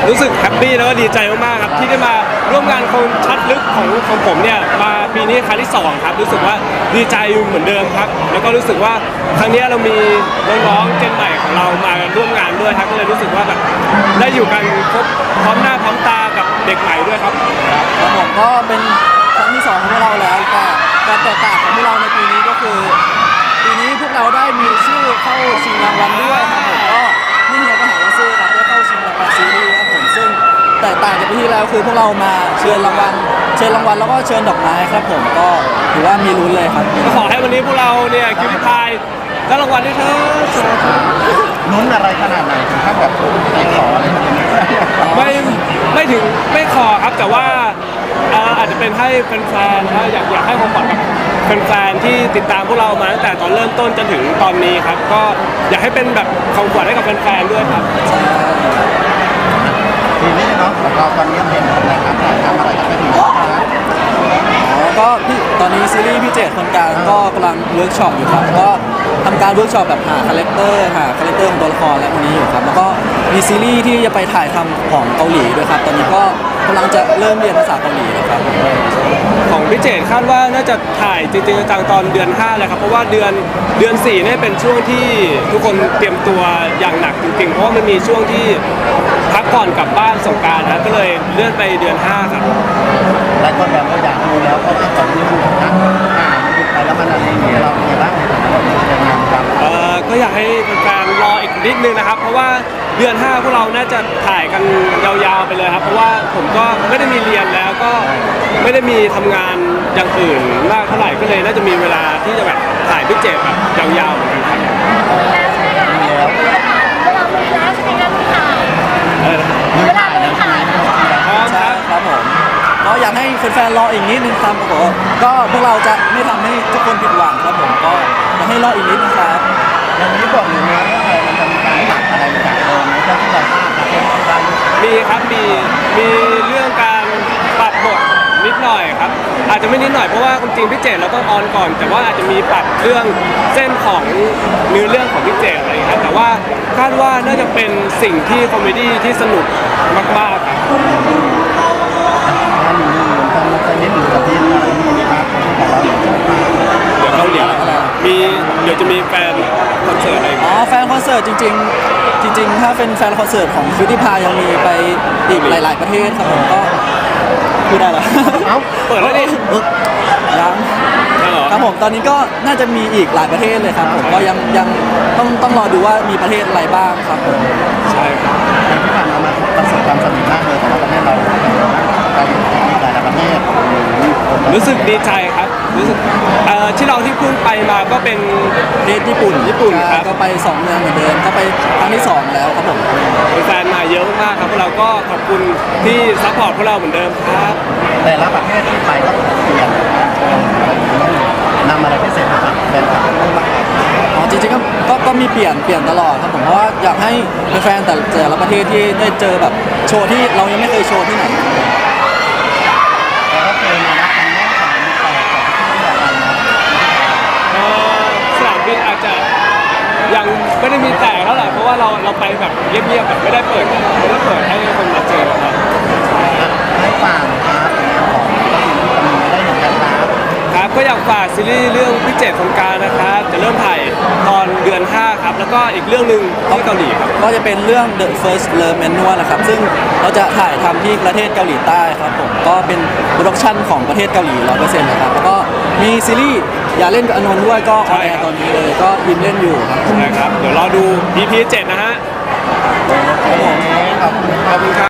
รู้สึกแฮปปี้แล้วก็ดีใจมากๆครับที่ได้มาร่วมงานคงชัดลึกของผมเนี่ยมาปีนี้ครั้งที่2ครับรู้สึกว่าดีใจเหมือนเดิมครับแล้วก็รู้สึกว่าครั้งนี้เรามีน้องๆเจนใหม่ของเรามาร่วมงานด้วยครับก็เลยรู้สึกว่าแบบได้อยู่กันครบพร้อมหน้าพร้อมตากับเด็กใหม่ด้วยครับครับผมก็เป็นครั้งที่2ของพวกเราแล้วแต่การแตกต่างของพวกเราในปีนี้ก็คือปีนี้พวกเราได้มีชื่อเข้าชิงรางวัลด้วยครับผมก็นี่เฮียก็หาว่าซื้อครับได้เข้าชิงรางวัลซีรีส์ครับผมซึ่งแตกต่างจากปีที่แล้วคือพวกเรามาเชิญรางวัลแล้วก็เชิญดอกไม้ครับผมก็ถือว่ามีลุ้นเลยครับก็ขอให้วันนี้พวกเราเนี่ยคิวพิพายได้รางวัลด้วยเถอะลุ้นอะไรขนาดไหนถึงขั้นแบบใจขออะไรแบบนี้ไม่ถึงไม่ขอครับแต่ว่าอาจจะเป็นให้แฟนๆอยากให้ความฝันกับแฟนๆที่ติดตามพวกเรามาตั้งแต่ตอนเริ่มต้นจนถึงตอนนี้ครับก็อยากให้เป็นแบบของขวัญให้กับแฟนๆด้วยครับทีนี้เนาะแล้วก็ตอนนี้เป็นอะไรครับถ่ายทำอะไรกันไปถึงก็ตอนนี้ซีรีส์พี่เจตคนกลางก็กำลังเวิร์กช็อปอยู่ครับก็ทำการเวิร์กช็อปแบบหาคาแรคเตอร์ของตัวละครและคนนี้อยู่ครับแล้วก็มีซีรีส์ที่จะไปถ่ายทำของเกาหลีด้วยครับตอนนี้ก็กำลังจะเริ่มเรียนภาษาเกาหลีแล้วครับของพี่เจตคาดว่าน่าจะถ่ายจริงๆจังตอนเดือน5เลยครับเพราะว่าเดือน4เนี่ยเป็นช่วงที่ทุกคนเตรียมตัวอย่างหนักจริงๆเพราะว่ามันมีช่วงที่พักก่อนกลับบ้านสงกรานต์นะก็เลยเลื่อนไปเดือน5ครับหลายคนแบบเราอยากดูแล้วเพราะว่าก่อนที่ดูนะมันดูไปแล้วมันอะไรอย่างเงี้ยเราเป็นไงบ้างเราเป็นยังไงครับก็อยากให้แฟนๆรออีกนิดนึงนะครับเพราะว่าเดือน5พวกเราน่าจะถ่ายกันยาวๆไปเลยครับเพราะว่าผมก็ไม่ได้มีเรียนแล้วก็ไม่ได้มีทำงานอย่างอื่นมากเท่าไหร่ก็เลยน่าจะมีเวลาที่จะแบบถ่ายพิเศษแบบยาวๆเหมือนกันครับครับผมก็อยากให้แฟนๆรออีกนิดนึงครับผมก็พวกเราจะไม่ทำให้ทุกคนผิดหวังครับผมก็อยากให้รออีกนิดนะครับอย่างนี้บอกอยู่นะว่ามันจะมีการตัดอะไรจากเดิมไหมเพื่อที่เรามีครับมีเรื่องการปรับบทนิดหน่อยครับอาจจะไม่นิดหน่อยเพราะว่าจริงพี่เจตเราต้องออนก่อนแต่ว่าอาจจะมีปรับเรื่องเส้นของเนื้อเรื่องของพี่เจตอะไรอย่างเงี้ยแต่ว่าคาดว่าน่าจะเป็นสิ่งที่คอมเมดี้ที่สนุกมากๆครับเดี๋ยวจะมีแฟนคอนเสิร์ตอะไรแฟนคอนเสิร์ตจริงถ้าเป็นแฟนคอนเสิร์ตของคิวตี้พายยังมีไปอีกหลายๆประเทศครับผมก็พูดได้เหรอเปิดแล้วดิยังครับผมตอนนี้ก็น่าจะมีอีกหลายประเทศเลยครับผมก็ยังต้องรอดูว่ามีประเทศอะไรบ้างครับผมใช่ครับที่ผ่านมาประสบความสำเร็จมากเลยสำหรับประเทศเราไปหลายประเทศรู้สึกดีใจครับรู้สึกที่เราที่พุ่งไปมาก็เป็นประเทศญี่ปุ่นครับก็ไป2เมืองเหมือนเดิมก็ไปครั้งที่2แล้วครับผมแฟนมาเยอะมากครับพวกเราก็ขอบคุณที่ซัพพอร์ตพวกเราเหมือนเดิมครับแต่ละประเทศที่ไปก็เปลี่ยนนำอะไรพิเศษมาเป็นแบบจริงๆก็มีเปลี่ยนตลอดครับผมเพราะว่าอยากให้แฟนแต่ละประเทศที่ได้เจอแบบโชว์ที่เรายังไม่เคยโชว์ที่ไหนสนามบินอาจจะยังไม่ได้มีแต่เท่าไหร่เพราะว่าเราไปแบบเงียบๆแบบไม่ได้เปิดให้คนมาเจอครับให้ฝากครับของได้เหมือนกันครับก็อยากฝากซีรีส์เรื่องพี่เจตคนกลางนะครับจะเริ่มถ่ายตอนเดือน5ครับแล้วก็อีกเรื่องนึงที่เกาหลีครับก็จะเป็นเรื่อง The First Love Manual นะครับซึ่งเราจะถ่ายทำที่ประเทศเกาหลีใต้ครับผมก็เป็นโปรดักชั่นของประเทศเกาหลี 100% นะครับแล้วก็มีซีรีส์อย่าเล่นกับอานนท์ด้วยก็ออนแอร์ตอนนี้เลยก็ยิมเล่นอยู่ครับใช่ครับเดี๋ยวรอดู EP 7นะฮะขอบคุณครับ